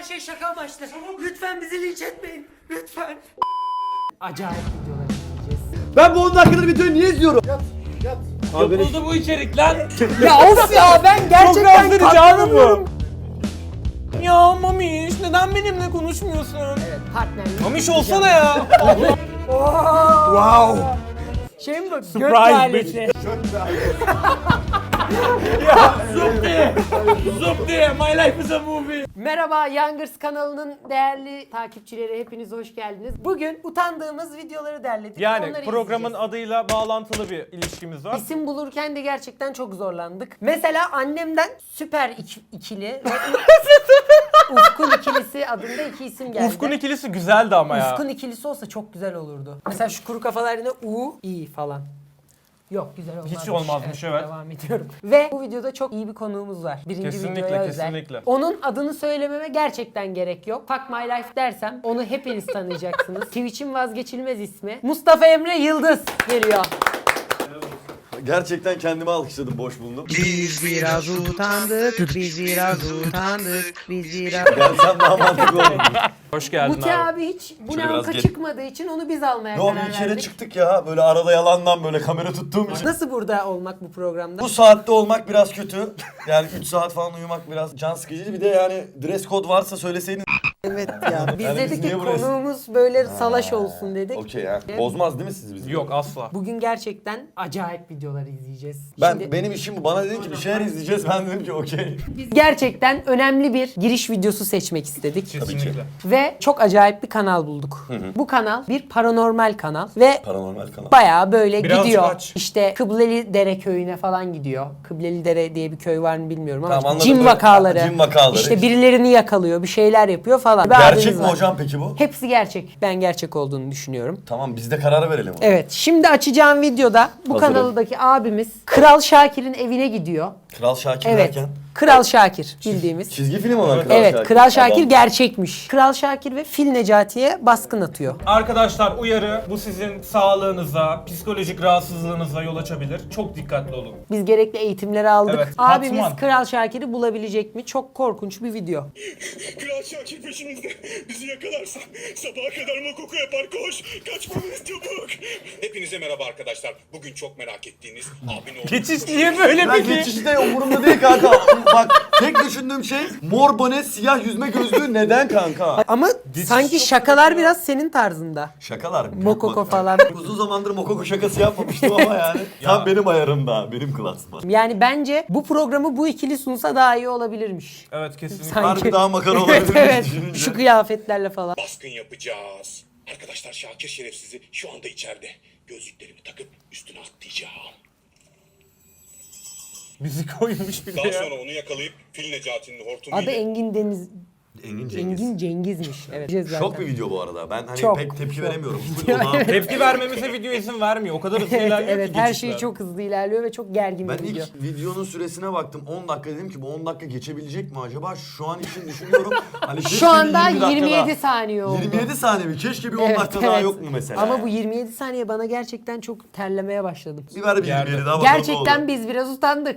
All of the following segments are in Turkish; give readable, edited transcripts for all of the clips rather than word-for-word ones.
şey şaka amaçlı. Lütfen bizi linç etmeyin. Lütfen. Acayip videolar izleyeceğiz. Ben bu 10 dakikadır videoyu niye izliyorum? Yat. Yapıldı bu içerik lan. Ya of ya ben gerçekten rahatsız edici abi bu. katlanamıyorum. Ya Mamiş neden benimle konuşmuyorsun? Evet partnerlik. Mamiş olsana ya. Wow. Şey mi bu? Göt Surprise ailesi. Ya zup diye my life is a movie. Merhaba Youngers kanalının değerli takipçileri, hepiniz hoş geldiniz. Bugün utandığımız videoları derledik. Yani Onları programın izleyeceğiz. adıyla bağlantılı bir ilişkimiz var. İsim bulurken de gerçekten çok zorlandık. Mesela annemden süper ikili ve Ufkun ikilisi adında iki isim geldi. Ufkun ikilisi güzeldi ama ya. Ufkun ikilisi olsa çok güzel olurdu. Mesela şu kuru kafalar yerine U, İ falan. Yok güzel olmazmış. Hiç olmazmış, evet. Devam ediyorum. Ve bu videoda çok iyi bir konuğumuz var. Birinci Kesinlikle, videoya özel. kesinlikle. Onun adını söylememe gerçekten gerek yok. Fuck My Life dersem onu hepiniz tanıyacaksınız. Twitch'in vazgeçilmez ismi. Mustafa Emre Yıldız geliyor. Gerçekten kendimi alkışladım, boş bulundum. Biz biraz utandık, biz biraz utandık, biz biraz... Gelsem daha mantıklı olurdu. Hoş geldin Buti abi. abi hiç bu Şöyle ne biraz anka gel. çıkmadığı için onu biz almaya Yo, karar bir kere verdik. çıktık ya, böyle arada yalandan böyle kamera tuttuğum için. Nasıl burada olmak bu programda? Bu saatte olmak biraz kötü. Yani 3 saat falan uyumak biraz can sıkıcı. Bir de yani dress code varsa söyleseydin. Evet ya. Biz Yani biz dedik ki niye buraya- konuğumuz böyle salaş olsun dedik. Okey ya. Bozmaz değil mi siz bizi? Yok asla. Bugün gerçekten acayip videolar izleyeceğiz. Benim işim bu. Bana dedin ki bir şeyler izleyeceğiz. Ben dedim ki okey. Biz gerçekten önemli bir giriş videosu seçmek istedik. Kesinlikle. Ve çok acayip bir kanal bulduk. Bu kanal bir paranormal kanal ve Paranormal kanal. bayağı böyle Birazcık gidiyor. aç. İşte Kıbleli Dere köyüne falan gidiyor. Kıbleli Dere diye bir köy var mı bilmiyorum ama Tamam, anladım. cin Böyle- vakaları. Cin vakaları. İşte birilerini yakalıyor, bir şeyler yapıyor falan. Bir Gerçek abimiz mi var. hocam peki bu? Hepsi gerçek. Ben gerçek olduğunu düşünüyorum. Tamam, biz de karar verelim. Evet, şimdi açacağım videoda bu Hazırım. kanaldaki abimiz Kral Şakir'in evine gidiyor. Kral Şakir Evet. derken. Kral Şakir bildiğimiz. Çizgi film olan Kral Evet, Şakir. Kral Şakir Tamam. gerçekmiş. Kral Şakir ve Fil Necati'ye baskın atıyor. Arkadaşlar uyarı, bu sizin sağlığınıza, psikolojik rahatsızlığınıza yol açabilir. Çok dikkatli olun. Biz gerekli eğitimleri aldık. Evet, Abimiz Batman. Kral Şakir'i bulabilecek mi? Çok korkunç bir video. Kral Şakir peşimizde. Bizi yakalarsa sabaha kadar makoko yapar. Koş. Kaçmalıyız çabuk. Hepinize merhaba arkadaşlar. Bugün çok merak ettiğiniz abin oğlu. Geçiş niye böyle Ben peki? geçişte umurumda değil kanka. Bak, tek düşündüğüm şey mor bone, siyah yüzme gözlüğü neden kanka? Ama sanki şakalar biraz senin tarzında. Şakalar. Mokoko falan. Uzun zamandır Mokoko şakası yapmamıştım ama yani. Tam benim ayarımda, benim klasman. Yani bence bu programı bu ikili sunsa daha iyi olabilirmiş. Evet kesinlikle. Sanki- Harbi daha makara olabilir Evet, düşününce. şu kıyafetlerle falan. Baskın yapacağız. Arkadaşlar Şakir şerefsizi şu anda içeride. Gözlüklerimi takıp üstüne atlayacağım. Müzik koymuş bir de Daha ya. sonra onu yakalayıp Fil Necati'nin hortumuyla... Adı Engin Deniz. Engin Cengiz. Engin Cengiz'miş. Evet. Şok bir video bu arada. Ben hani Çok, pek tepki çok. veremiyorum. Ona- Tepki vermemize video izin vermiyor. O kadar hızlı Evet, ilerliyor evet ki her geçişler. şey çok hızlı ilerliyor ve çok gergin Ben bir video. ilk videonun süresine baktım. 10 dakika dedim ki bu 10 dakika geçebilecek mi acaba? Şu an için düşünüyorum. Hani keşke Şu anda bir 20 dakika 27 daha- saniye oldu. 27 saniye mi? Keşke bir 10 Evet, dakika daha evet. yok mu mesela? Ama bu 27 saniye bana gerçekten çok terlemeye başladım. Bir ver bir Yerde. 27 daha bakalım ne Gerçekten olur. biz biraz utandık.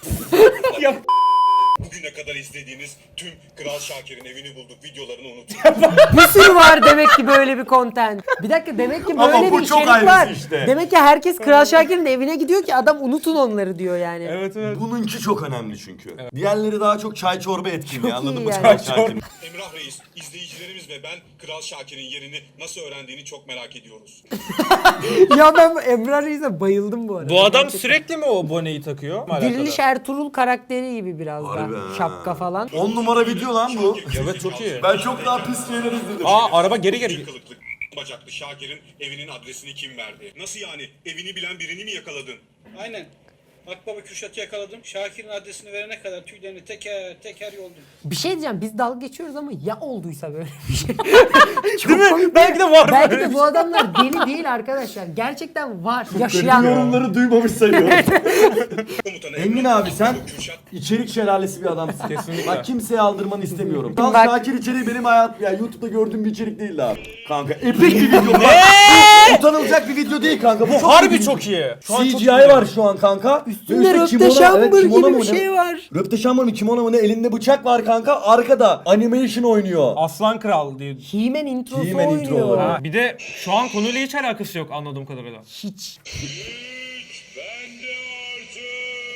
Bugüne kadar izlediğiniz tüm Kral Şakir'in evini bulduk videolarını unutun. Bir sürü var demek ki böyle bir content. Bir dakika demek ki Ama böyle bu bir çok içerik ayrısı var. işte. Demek ki herkes Kral Şakir'in evine gidiyor ki adam unutun onları diyor yani. Evet evet. Bununki çok önemli çünkü. Diğerleri daha çok çay çorba etkinliği, Çok anladın iyi mı? yani. Çay Çay çorba. etkinliği. Emrah Reis, izleyicilerimiz ve ben Kral Şakir'in yerini nasıl öğrendiğini çok merak ediyoruz. Ya ben bu Emrah Reis'e bayıldım bu arada. Bu adam Gerçekten. sürekli mi o boneyi takıyor? Diriliş Ertuğrul karakteri gibi biraz Harbi da. ha. Şapka falan. 10 numara video lan bu. Evet çok iyi. Ben çok daha pis şeyler izledim. Aa araba geri geri. Kılıklı bacaklı Şakir'in evinin adresini kim verdi? Nasıl yani? Evini bilen birini mi yakaladın? Aynen. Akbaba Kürşat'ı yakaladım. Şakir'in adresini verene kadar tüylerini teker teker yoldum. Bir şey diyeceğim biz dalga geçiyoruz ama ya olduysa böyle bir şey. Değil mi? Belki de var Belki böyle de bir bu adamlar deli değil arkadaşlar. Gerçekten var. Yaşayan Yorumları duymamış sayıyorum. Komutanı Engin Emrah abi sen Kürşat içerik şelalesi bir adamsın. Kesinlikle. Bak kimseye aldırmanı istemiyorum. Bak- Kral Şakir içeriği benim hayat ya YouTube'da gördüğüm bir içerik değildi abi. Kanka epik bir video. utanılacak bir video değil kanka. Bu harbi çok iyi. Şu an çok CGI iyi. var şu an kanka. Üstünde Ve röpte şambır kimono gibi mu bir ne? şey var. Röpte şambır mı kimono mu ne? Elinde bıçak var kanka. Arkada animation oynuyor. Aslan Kral diye. He-Man introsu He-Man oynuyor. intro. Ha, bir de şu an konuyla hiç alakası yok anladığım kadarıyla. Hiç. Bende artık.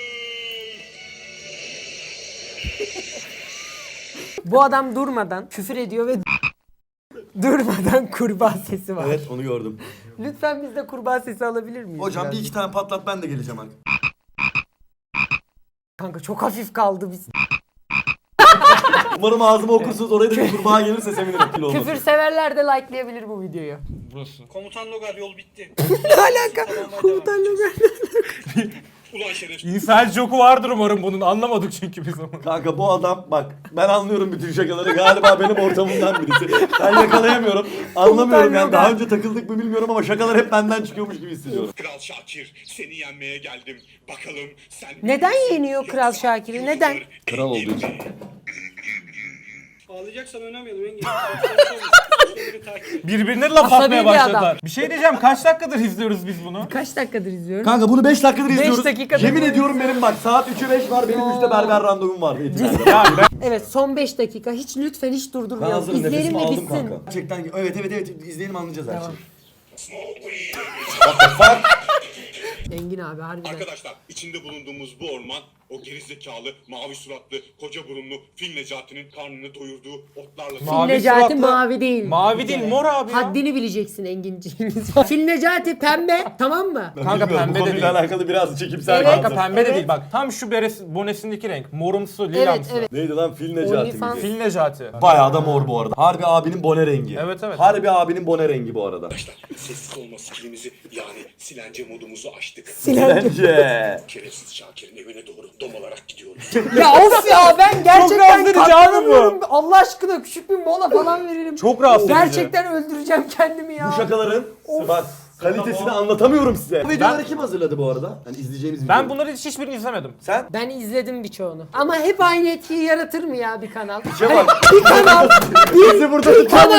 Bu adam durmadan küfür ediyor ve durmadan kurbağa sesi var. Evet onu gördüm. Lütfen biz de kurbağa sesi alabilir miyiz? Hocam biraz? bir iki tane patlat ben de geleceğim abi. Kanka çok hafif kaldı biz. Umarım ağzıma okursunuz oraya da bir kurbağa gelirse sevinirim. Kilo olmasın. Küfür severler de likelayabilir bu videoyu. Burası. Komutan Logar yol bitti. Ne alaka? Komutan Logar. Ulan şerefsiz. İnsel joku vardır umarım bunun. Anlamadık çünkü biz onu. Kanka bu adam bak ben anlıyorum bütün şakaları galiba benim ortamımdan birisi. Ben yakalayamıyorum. Anlamıyorum yani daha önce takıldık mı bilmiyorum ama şakalar hep benden çıkıyormuş gibi hissediyorum. Kral Şakir seni yenmeye geldim. Bakalım sen... Neden yeniyor Kral Şakir'i? Neden? Kral olduğu için. Ağlayacaksan oynamayalım Engin. Şöyle takip et. Birbirine laf Asabi atmaya bir başladılar. adam. Bir şey diyeceğim, kaç dakikadır izliyoruz biz bunu? Kaç dakikadır izliyorum? Kanka bunu 5 dakikadır izliyoruz. dakikadır Yemin bu. ediyorum benim bak saat 3'ü 5 var benim 3'te berber randevum var. Ya ben Evet son 5 dakika. Hiç lütfen hiç Ben durdurmayalım. hazırım İzleyelim nefesimi ve aldım bitsin. kanka. Gerçekten evet izleyelim anlayacağız her Tamam. şeyi. Engin abi harbiden. Arkadaşlar içinde bulunduğumuz bu orman o gerizekalı, mavi suratlı, koca burunlu Fil Necati'nin karnını doyurduğu otlarla... Mavi Necati suratlı- mavi değil. mavi değil mor abi ya. Haddini bileceksin Enginciğimiz. Fil Necati pembe tamam mı? Kanka Bilmiyorum, pembe bu de konuyla değil. alakalı biraz çekimsel Evet. kaldım. Kanka pembe de Evet. değil bak. Tam şu bonesindeki renk. Morumsu, Evet lilamsı. evet. Neydi lan Fil Necati OnlyFans. miydi? Fil Necati. Bayağı da mor bu arada. Harbi abinin bone rengi. Evet, evet. Harbi abinin bone rengi bu arada. Arkadaşlar sessiz olma skillimizi yani silence modumuzu açtık. Bence. Şerefsiz Şakir'in evine doğru dom olarak gidiyoruz. Ya of ya ben gerçekten rahatsız edici abi bu. katlanamıyorum. Allah aşkına küçük bir mola falan veririm. Çok rahatsız edici. Gerçekten öldüreceğim kendimi ya. Bu şakaların bak kalitesini anlatamıyorum size. Bu videoları kim hazırladı bu arada? Hani izleyeceğimiz video. Ben bunları hiçbirini izlemedim. Sen? Ben izledim birçoğunu. Ama hep aynı etkiyi yaratır mı ya bir kanal? Şey bak. Bir kanal, Bizi burada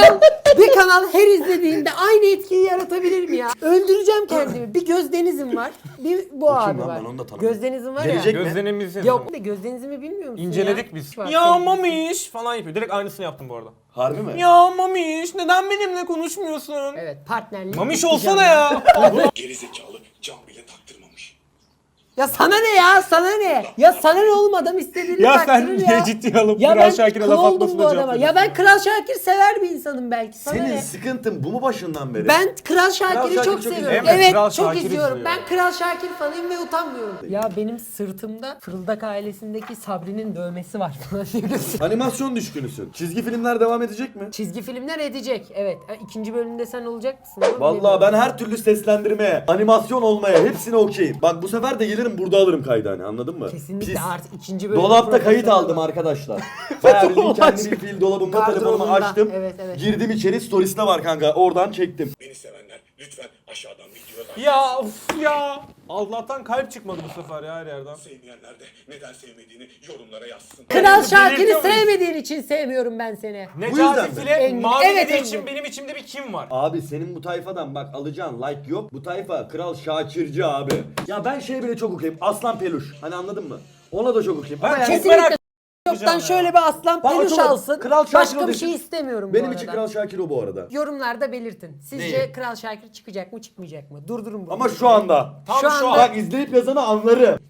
bir kanal her izlediğinde aynı etkiyi yaratabilir mi ya? Öldüreceğim kendimi. Bir Gözdeniz'im var, bir bu abi lan? var. Ben onu da tanımıyorum. Gözdeniz'im var Gelecek ya. mi? Gözlerimizi Yok Gözdeniz'imi bilmiyor musun İnceledik ya? biz. Var, Ya sevgilisi. mamiş falan yapıyor. Direkt aynısını yaptım bu arada. Harbi mi? Ya mamiş neden benimle konuşmuyorsun? Evet partnerlik. Mamiş yapacağım olsana ya. Gerizekalı cam bile taktırmamış. Ya sana ne ya? Sana ne? Ya sana ne oğlum adam istediğini Ya taktırır sen ya. niye ciddiye alıp Ya Kral ben Şakir'e kıl laf oldum atmasına bu cevap adama. Ya veriyorsun? ben Kral Şakir sever bir insanım belki. Sana Senin ne? sıkıntın bu mu başından beri? Ben Kral Şakir'i Şakir çok çok seviyorum. izliyorum. Evet, Kral çok Şakir izliyorum. izliyor. Ben Kral Şakir fanıyım ve utanmıyorum. Ya benim sırtımda Fırıldak ailesindeki Sabri'nin dövmesi var falan diye gösteriyor. Animasyon düşkünüsün. Çizgi filmler devam edecek mi? Çizgi filmler edecek. Evet. İkinci bölümde sen olacak mısın? oğlum? Vallahi ben her türlü seslendirmeye, animasyon olmaya hepsine okeyim. Bak bu sefer de gelirim burada alırım kaydı hani anladın mı? Kesinlikle Pis. artık ikinci bölümde Dolapta kayıt profesyonel aldım bak. arkadaşlar. Bayağı bildiğin kendi bir fil dolabımda telefonumu Gardırobunda. açtım. Evet, evet. Girdim içeri storiesine var kanka. Oradan çektim. Beni sevenler lütfen aşağıdan videodan Ya of ya. Allah'tan kalp çıkmadı bu sefer ya her yerden. sevmeyenler de neden sevmediğini yorumlara yazsın. Kral Şakir'i Belirtiyor muyuz? sevmediğin için sevmiyorum ben seni. yüzden Necati mi? File Engin. mavi Evet, dediği Engin. için benim içimde bir kim var? Abi senin bu tayfadan bak alacağın like yok. Bu tayfa Kral Şakirci abi. Ya ben şey bile çok okuyayım. Aslan Peluş. Hani anladın mı? Ona da çok okuyayım. Ama Ben yani çok Kesinlikle merak yoktan edeceğim şöyle ya. bir aslan Bak, peluş çok- alsın. Kral Şakir Başka o bir desin. şey istemiyorum bu benim arada. için Kral Şakir o bu arada. Yorumlarda belirtin. Sizce Neyi? Kral Şakir çıkacak mı çıkmayacak mı? Durdurun bunu. Ama şu anda. Tam Şu şu anda- an. Bak izleyip yazanı anlarım.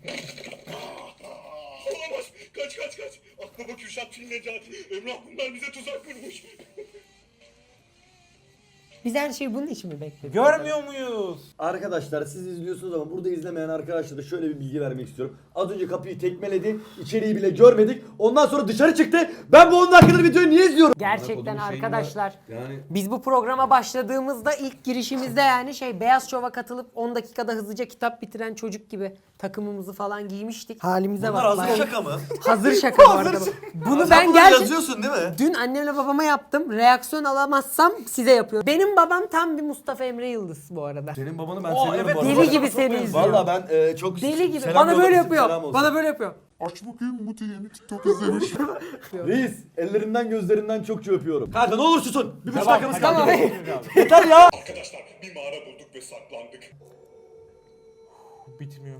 Olamaz. Kaç. Akbaba Kürşat Fil Necati. Emrah bunlar bize tuzak kurmuş. Biz her şeyi bunun için mi bekledik? Görmüyor muyuz? Arkadaşlar siz izliyorsunuz ama burada izlemeyen arkadaşlara şöyle bir bilgi vermek istiyorum. Az önce kapıyı tekmeledi. İçeriği bile görmedik. Ondan sonra dışarı çıktı. Ben bu 10 dakikadır videoyu niye izliyorum? Gerçekten arkadaşlar. Yani Biz bu programa başladığımızda ilk girişimizde yani Beyaz Şov'a katılıp 10 dakikada hızlıca kitap bitiren çocuk gibi takımımızı falan giymiştik. Halimize bunlar bak. hazır bayağı. şaka mı? Hazır şaka bu arada. Bunu ben Sen gerçekten yazıyorsun değil mi? dün annemle babama yaptım. Reaksiyon alamazsam size yapıyorum. Benim Benim babam tam bir Mustafa Emre Yıldız bu arada. Senin babanı ben Oo, seviyorum evet, bu arada. Deli gibi seni izliyor. Valla ben çok Deli gibi. selam Bana böyle yollamışsın, selam yapıyor. olsun. Bana böyle yapıyor. Aç bakayım Muti yeni TikTok izlemiş. Reis ellerinden gözlerinden çokça öpüyorum. Kanka ne olur susun. Bir buçuk Tamam, dakikamız tamam. kaldı. Yeter ya. Arkadaşlar bir mağara bulduk ve saklandık. Bitmiyor.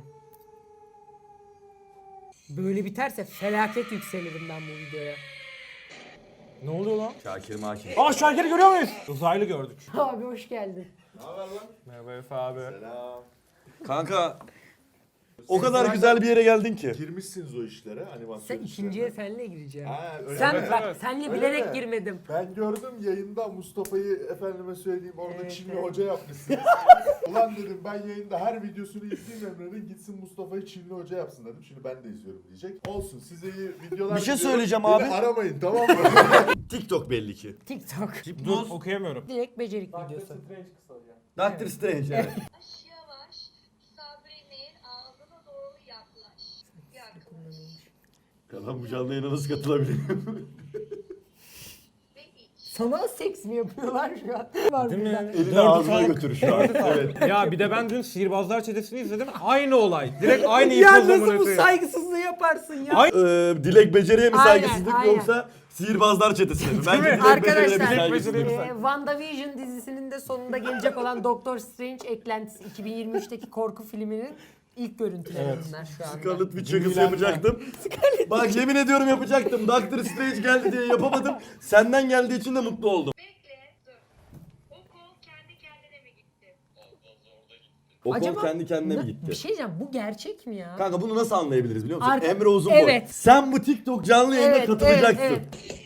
Böyle biterse felaket yükselirim ben bu videoya. Ne oluyor lan? Şakir Makir. Aa Şakir'i görüyor muyuz? Uzaylı gördük. Abi hoş geldin. Merhaba Efe abi. Kanka o kadar güzel bir yere geldin ki. Girmişsiniz o işlere animasyon Sen ikinciye senle gireceğim. Ha, öyle Sen mi? bak evet. senle Öyle bilerek mi? girmedim. Ben gördüm yayında Mustafa'yı efendime söyleyeyim orada Evet, Çinli evet. hoca yapmışsınız. Ulan dedim ben yayında her videosunu izleyeyim Emre'nin gitsin Mustafa'yı Çinli hoca yapsın dedim. Şimdi ben de izliyorum diyecek. Olsun size iyi videolar Bir şey diliyorum. söyleyeceğim Beni abi. aramayın tamam mı? TikTok belli ki. TikTok. Dur okuyamıyorum. Direkt becerik videosu. Doctor Strange evet. Yavaş yavaş Sabri'nin ağzına doğru yaklaş. Yaklaş. Adam bu canlı yayına nasıl katılabilirim? Ve iç. Sanal seks mi yapıyorlar şu an? Var Değil bir mi? tane. Elini Dördü ağzına sağlık. götür şu an. Evet. Ya bir de ben dün Sihirbazlar Çetesi'ni izledim. Aynı olay. Direkt aynı Ya ipoz nasıl bu amına koyayım. saygısızlığı yaparsın ya? Ay- Dilek beceriye mi Aynen, saygısızlık aynen. yoksa sihirbazlar çetesine mi? Bence mi? Dilek beceriye bir Arkadaşlar saygısızlık. WandaVision dizisinin de sonunda gelecek olan Doctor Strange eklentisi 2023'teki korku filminin ilk görüntüleri bunlar şu anda. Scarlet Witch şakası yapacaktım. Bak yemin ediyorum yapacaktım. Doctor Strange geldi diye yapamadım. Senden geldiği için de mutlu oldum. Bekle dur. O kol kendi kendine mi gitti? O kol Acaba kendi kendine mi Bir gitti? şey diyeceğim, bu gerçek mi ya? Kanka bunu nasıl anlayabiliriz biliyor musun? Arka- Emre Uzunboy. Evet. Sen bu TikTok canlı yayına Evet, katılacaksın. evet,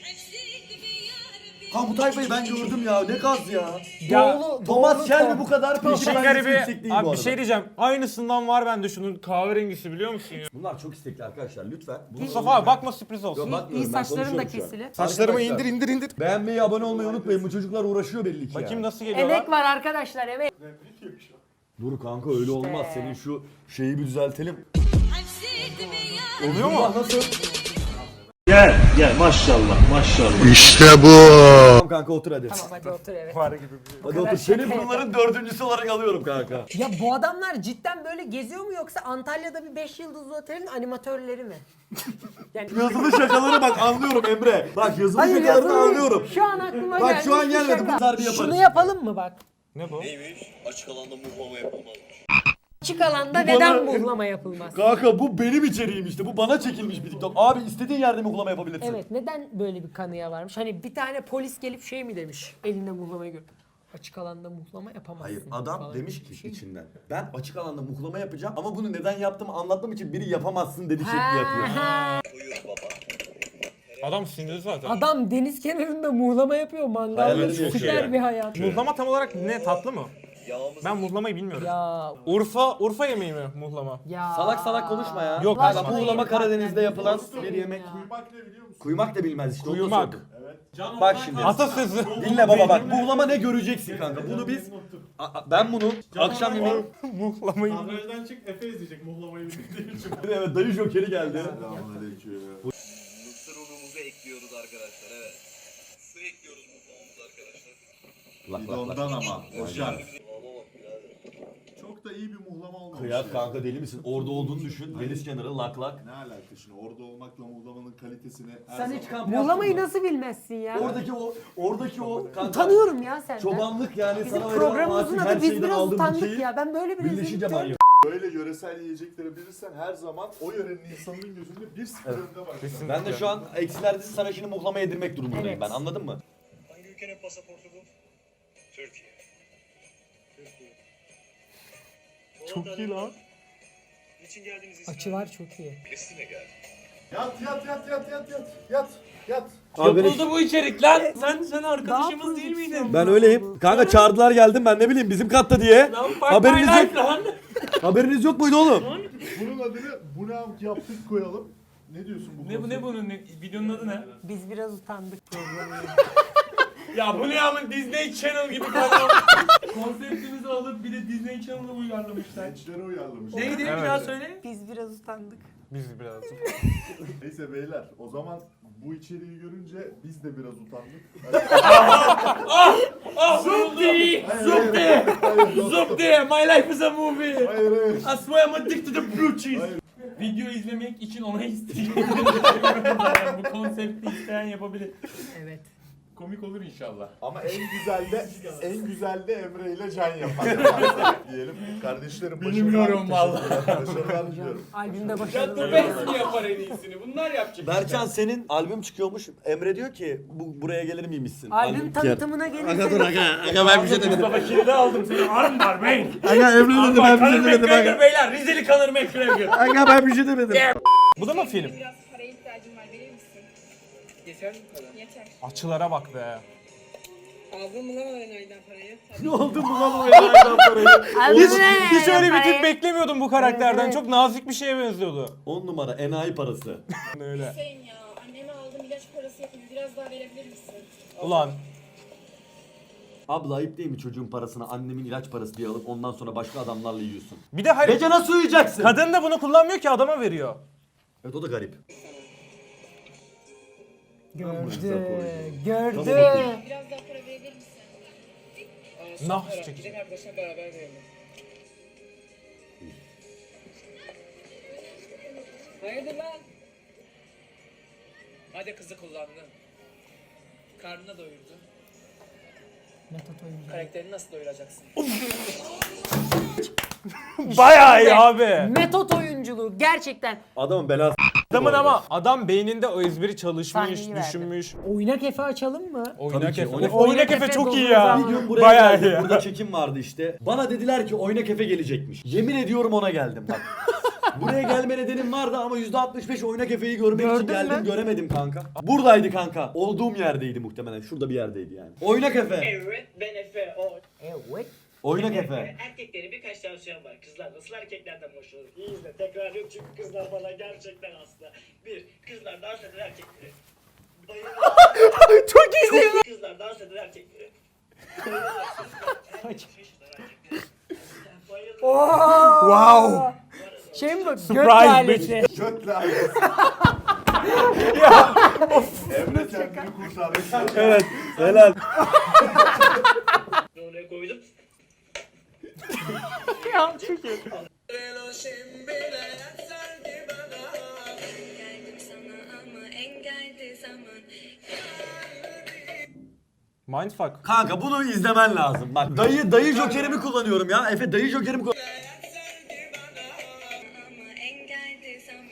Kanka bu tayfayı ben gördüm ya. Ne gaz ya. Ya, Doğulu, Thomas doğulu Shelby ton. bu kadar İşin peşi bence garibi, yüksek değil bu abi bir arada. şey diyeceğim. Aynısından var bende şunun kahverengisi biliyor musun ya? Bunlar çok istekli arkadaşlar lütfen. Bunu- Mustafa abi bakma sürpriz olsun. Yok, bakmıyorum, İyi ben saçların da konuşuyorum şu an. kesili. Saçlarımı Arkadaşlar, indir. Beğenmeyi, abone olmayı unutmayın. Bu çocuklar uğraşıyor belli ki Bakayım ya. nasıl geliyor Emek lan. var arkadaşlar, emek. Dur kanka öyle olmaz. Senin şu şeyi bir düzeltelim. Oluyor mu? Nasıl? Gel maşallah maşallah. İşte bu. Tamam kanka otur hadi. Tamam hadi otur, evet. Var gibi bir şey. Hadi kadar otur. Seni şaka bunların dördüncüsü olarak alıyorum kanka. Ya bu adamlar cidden böyle geziyor mu yoksa Antalya'da bir 5 yıldızlı otelin animatörleri mi? Yani Yazılı şakaları bak anlıyorum Emre. Bak yazılı şakalarını yazılı- anlıyorum. Şu an aklıma Bak, geldi. şu an bir gelmedi. şaka. Bunlar bir yaparız. Şunu yapalım mı bak? Ne bu? Neymiş? Açık alanda muhlama yapılmazmış. Açık alanda Bu neden bana- muhlama yapılmaz? Kanka bu benim içeriğim işte. Bu bana çekilmiş bir TikTok. Abi istediğin yerde muhlama yapabilirsin. Evet, neden böyle bir kanıya varmış? Hani bir tane polis gelip şey mi demiş? Elinde muhlamayı gör. Açık alanda muhlama yapamazsın. Hayır adam falan demiş gibi bir ki şey. içinden ben açık alanda muhlama yapacağım ama bunu neden yaptığımı anlatmam için biri yapamazsın dedi şekli Ha, yapıyor. ha. Buyur baba. Adam sinirli zaten. Adam deniz kenarında muhlama yapıyor, mangalda Hayalleri süper yaşıyor bir hayat. Muhlama tam olarak ne, tatlı mı? Yağımız Ben muhlamayı bilmiyorum. Ya Urfa yemeği mi muhlama? ya. Salak salak konuşma ya. Yok, kanka konuşma. muhlama Karadeniz'de yapılan Dostum bir yemek. ya. Kuymak ne biliyor musun? Kuymak da bilmez işte. onu da Kuyumak. sordum. Bak şimdi. Atasözü. Dinle baba bak muhlama ne göreceksin kanka. Bunu biz ben bunu akşam yemeği Muhlamayı. Kadrajdan çık Efe izleyecek muhlamayı bildiği için. evet dayı jokeri geldi. Selamünaleyküm. mısır unumuzu ekliyoruz arkadaşlar evet. Su ekliyoruz muhlamamıza arkadaşlar. Lak Bir de lak lak. ondan ama. Boşan. Muhlama bak birader. Çok da iyi bir muhlama olmamış. Kıyak ya. kanka deli misin? Orada olduğunu düşün. Deniz kenarı lak lak. Ne alaka şimdi orada olmakla muhlamanın kalitesini her Sen zaman... hiç kamp Muhlamayı yaptın mı? nasıl bilmezsin ya? Oradaki o kanka. Utanıyorum ya senden. Çobanlık yani Bizim sana verilen programımızın ağaçın her adı Biz şeyden Biraz aldığın Utandık dikeyi ya. Ben böyle bir birleşince rezillik manyak. Böyle yöresel yiyecekleri bilirsen her zaman o yörenin insanının gözünde 1-0 önde başlar. Ben de şu an eksilerde sana şimdi muhlama yedirmek durumundayım Evet. ben anladın mı? Hangi ülkenin pasaportu bu? Türkiye. Çok iyi lan. Niçin geldiniz Açılar çok iyi. Filistin'e geldim. Yat. Yapıldı bu içerik lan. Sen arkadaşımız değil miydin? Ben öyleyim. Kanka çağırdılar geldim ben ne bileyim bizim katta diye. Haberiniz yok. Haberiniz yok muydu oğlum? Bunun adını bu ne yaptık koyalım. Ne diyorsun bu konsept? bunun videonun adı ne? Biz biraz utandık programı. Ya bu ne ama Disney Channel gibi kanal. Konseptimizi alıp bir de Disney Channel'a uyarlamışlar. Gençlere uyarlamış. Neydi bir Evet. daha söyle. Biz biraz utandık. Biz birazcık. Neyse beyler o zaman bu içeriği görünce biz de biraz utandık. Zupti! Zupti! Zupti! My life is a movie! Hayır hayır. I swear I'm addicted to blue cheese! Video izlemek için ona isteyeceğim. Bu konsepti isteyen yapabilir. Evet. Komik olur inşallah. Ama en güzel de Emre ile Can yapar. Diyelim. Kardeşlerim Bilmiyorum vallahi. Başarılar diliyorum. Albümde Ya başarılı. The Best mi yapar en iyisini? Bunlar yapacak. Berkcan senin albüm çıkıyormuş. Emre diyor ki buraya gelir miymişsin? Albüm tanıtımına Aga dur gelirse aga ben bir şey demedim. Mustafa kilidi aldım seni. Arm var bey. Aga Emre dedi ben bir şey demedim McGregor beyler. Rizeli Conor McGregor. Aga ben bir şey demedim. Bu da mı film? Biraz paraya ihtiyacım var, verir misin? Yeter mi para? Yeter. Açılara bak be. Aldın mı lan aydan parayı? Ne oldu bu lan o elaydan parayı? Hiç öyle bir tip beklemiyordum bu karakterden. Çok nazik bir şeye benziyordu. 10 numara enayi parası. Öyle. Hüseyin ya, anneme aldım ilaç parası yapayım. Biraz daha verebilir misin? Ulan. Abla ayıp değil mi çocuğun parasını annemin ilaç parası diye alıp ondan sonra başka adamlarla yiyorsun? Bir de hayır. Gece nasıl uyuyacaksın? Kadın da bunu kullanmıyor ki adama veriyor. Evet o da garip. gördü. Biraz daha para verebilir misin? Nah çekecek. Arkadaşlar beraber verelim. Hayırdır lan? Hadi kızı kullandın. Karnına doyurdu. Karakterini nasıl doyuracaksın? Bayağı iyi abi. Metot oyunculuğu gerçekten. Adamın belası. Adamın ama adam beyninde o ezberi çalışmış, Sahneyi verdi. düşünmüş. Oynak Efe açalım mı? Oynak ki, Efe. Oynak- Oynak Efe çok iyi ya. Bir gün buraya Bayağı geldim. iyi. Burada çekim vardı işte. Bana dediler ki Oynak Efe gelecekmiş. Yemin ediyorum ona geldim bak. Buraya gelme nedenim vardı ama %65 Oynak Efe'yi görmek için Gördün geldim. mü? Göremedim kanka. Buradaydı kanka. Olduğum yerdeydi muhtemelen. Şurada bir yerdeydi yani. Oynak Efe. Evet ben Efe. O. Evet. Oynak Efe. Erkeklerin birkaç tavsiyem var. Kızlar nasıl hareketlerden hoşlanır? İyi izle. Tekrar yok çünkü kızlar bana gerçekten hasta. Bir, kızlar dans eden erkekleri. Bayılır. Çok iyi. Kızlar dans eden erkekleri. Wow. Şey mi bu? Gök Surprise lalesi. Götle ailesi. Emre kendini kurtardı. Evet. Helal. Oraya koydum. Ya çok iyi. Geldim sana ama engeldi zaman. Mindfuck. Kanka bunu izlemen lazım. Bak dayı jokerimi kullanıyorum ya. Efe dayı jokerimi kullanıyorum. Ama engeldi zaman.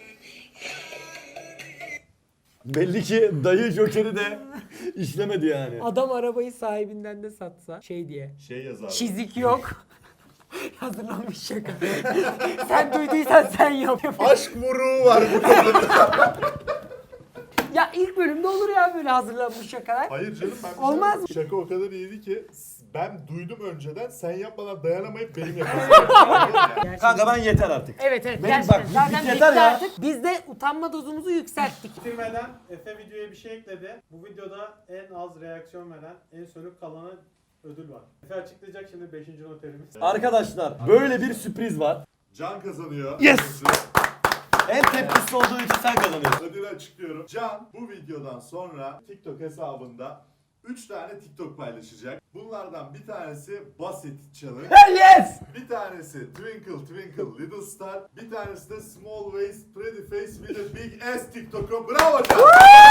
Belli ki dayı jokeri de işlemedi yani. Adam arabayı sahibinden de satsa şey diye. Şey yazar. Çizik yok. Hazırlanmış şaka. Sen duyduysan sen yap. Aşk vuruğu var bu kadında. Ya ilk bölümde olur ya böyle hazırlanmış şakalar. Hayır canım ben bir şey Olmaz yapmadım. Şaka o kadar iyiydi ki ben duydum önceden sen yapmadan dayanamayıp benim yapasım. Kanka ben yeter artık. Evet evet Benim gerçekten. bak, Zaten yeter bitti ya. artık. Biz de utanma dozumuzu yükselttik. Bitirmeden Efe videoya bir şey ekledi. Bu videoda en az reaksiyon veren, en sönük kalana ödül var. Efe açıklayacak şimdi 5. noterimiz. Arkadaşlar böyle bir sürpriz var. Can kazanıyor. Yes! En tepkisiz olduğu için sen kazanıyorsun. Ödülü açıklıyorum. Can bu videodan sonra TikTok hesabında 3 tane TikTok paylaşacak. Bunlardan bir tanesi Basit Challenge. Yes! Bir tanesi Twinkle Twinkle Little Star. Bir tanesi de Small Waist Pretty Face with a Big Ass TikTok'u. Bravo Can!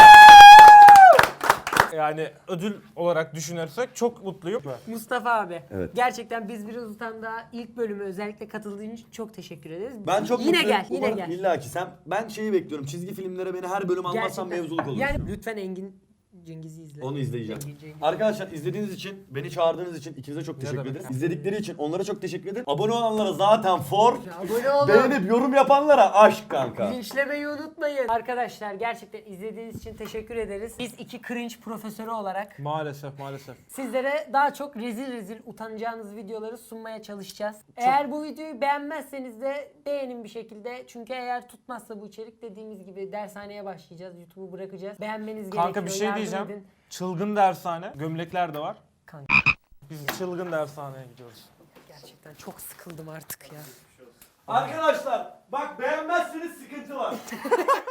Yani ödül olarak düşünürsek çok mutluyum. Mustafa abi. Evet. Gerçekten biz biraz utandı. İlk bölüme özellikle katıldığın için çok teşekkür ederiz. Ben çok yine mutluyum. gel, yine Umarım gel. İlla ki ben şeyi bekliyorum. Çizgi filmlere beni her bölüm almazsan mevzuluk olur. Yani lütfen Engin Cengiz'i izle. Onu izleyeceğim. Cengiz. Arkadaşlar izlediğiniz için, beni çağırdığınız için ikinize çok teşekkür demek? ederiz. İzledikleri için onlara çok teşekkür ederim. Abone olanlara zaten for. Abone olun. Beğenip yorum yapanlara aşk kanka. Linçlemeyi unutmayın. Arkadaşlar gerçekten izlediğiniz için teşekkür ederiz. Biz iki cringe profesörü olarak Maalesef maalesef. sizlere daha çok rezil utanacağınız videoları sunmaya çalışacağız. Eğer bu videoyu beğenmezseniz de beğenin bir şekilde. Çünkü eğer tutmazsa bu içerik dediğimiz gibi dershaneye başlayacağız. YouTube'u bırakacağız. Beğenmeniz gerekiyor. Kanka bir şey yardım diyeceğim. edin. Çılgın dershane. Gömlekler de var. Kanka Biz çılgın dershaneye gidiyoruz. gerçekten çok sıkıldım artık ya. Arkadaşlar bak beğenmezseniz sıkıntı sıkıntı var.